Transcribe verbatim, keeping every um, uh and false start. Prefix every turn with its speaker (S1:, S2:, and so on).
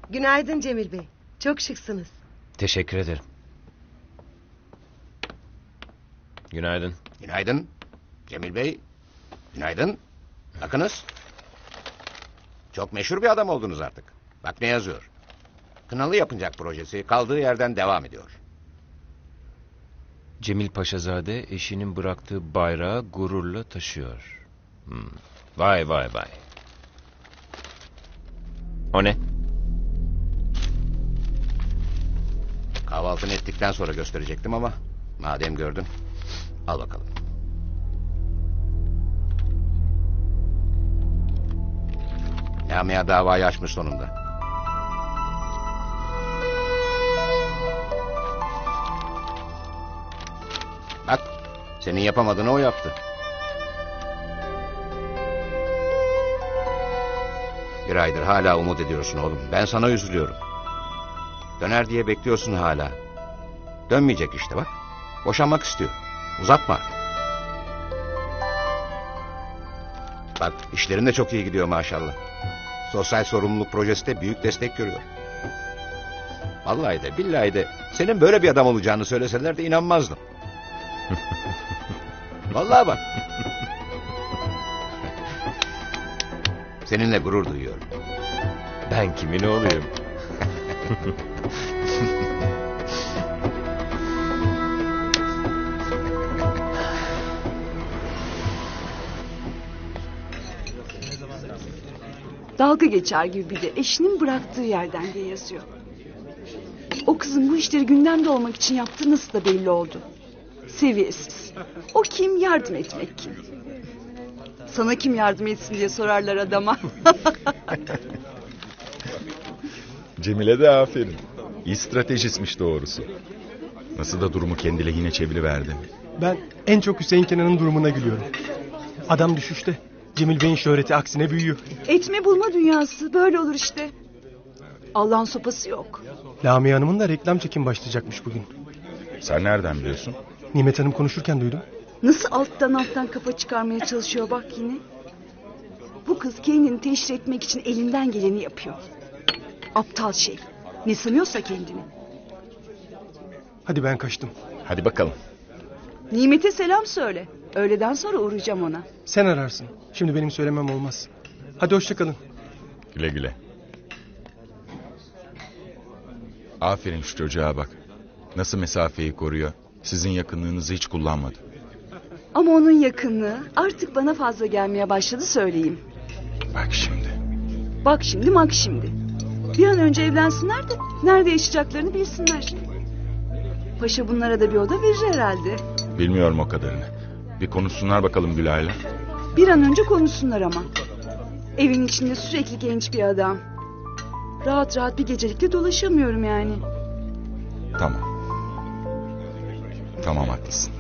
S1: Günaydın Cemil Bey. Çok şıksınız.
S2: Teşekkür ederim. Günaydın.
S3: Günaydın. Cemil Bey. Günaydın. Bakınız. Çok meşhur bir adam oldunuz artık. Bak ne yazıyor. Kınalı Yapıncak projesi kaldığı yerden devam ediyor.
S2: Cemil Paşazade eşinin bıraktığı bayrağı gururla taşıyor. Hmm. Vay vay vay. O ne?
S3: Kahvaltını ettikten sonra gösterecektim ama madem gördün, al bakalım. Lamia davayı açmış sonunda. Bak, senin yapamadığını o yaptı. Bir aydır hala umut ediyorsun oğlum. Ben sana üzülüyorum. Döner diye bekliyorsun hala. Dönmeyecek işte bak. Boşanmak istiyor. Uzatma artık. Bak işlerin de çok iyi gidiyor maşallah. Sosyal sorumluluk projesi de büyük destek görüyor. Vallahi de billahi de senin böyle bir adam olacağını söyleseler de inanmazdım. Vallahi bak. Seninle gurur duyuyorum.
S2: Ben kimin oğluyum?
S4: Dalga geçer gibi bir de eşinin bıraktığı yerden diye yazıyor. O kızın bu işleri gündemde olmak için yaptığı nasıl da belli oldu. Seviyesiz. O kim, yardım etmek kim? Sana kim yardım etsin diye sorarlar adama.
S5: Cemile de aferin. İyi stratejistmiş doğrusu. Nasıl da durumu kendi lehine çeviriverdi.
S6: Ben en çok Hüseyin Kenan'ın durumuna gülüyorum. Adam düşüşte. Cemil Bey'in şöhreti aksine büyüyor.
S4: Etme bulma dünyası böyle olur işte. Allah'ın sopası yok.
S6: Lamia Hanım'ın da reklam çekim başlayacakmış bugün.
S5: Sen nereden biliyorsun?
S6: Nimet Hanım konuşurken duydum.
S4: Nasıl alttan alttan kafa çıkarmaya çalışıyor bak yine. Bu kız kendini teşhir etmek için elinden geleni yapıyor. Aptal şey. Ne sanıyorsa kendini.
S6: Hadi ben kaçtım.
S5: Hadi bakalım.
S4: Nimet'e selam söyle. Öğleden sonra uğrayacağım ona.
S6: Sen ararsın. Şimdi benim söylemem olmaz. Hadi hoşça kalın.
S5: Güle güle. Aferin şu çocuğa bak. Nasıl mesafeyi koruyor. Sizin yakınlığınızı hiç kullanmadı.
S4: Ama onun yakınlığı artık bana fazla gelmeye başladı söyleyeyim.
S5: Bak şimdi.
S4: Bak şimdi mak şimdi. Bir an önce evlensinler de nerede yaşayacaklarını bilsinler. Paşa bunlara da bir oda verir herhalde.
S5: Bilmiyorum o kadarını. Bir konuşsunlar bakalım Gülay'la.
S4: Bir an önce konuşsunlar ama. Evin içinde sürekli genç bir adam. Rahat rahat bir gecelikte dolaşamıyorum yani.
S5: Tamam. Tamam haklısın.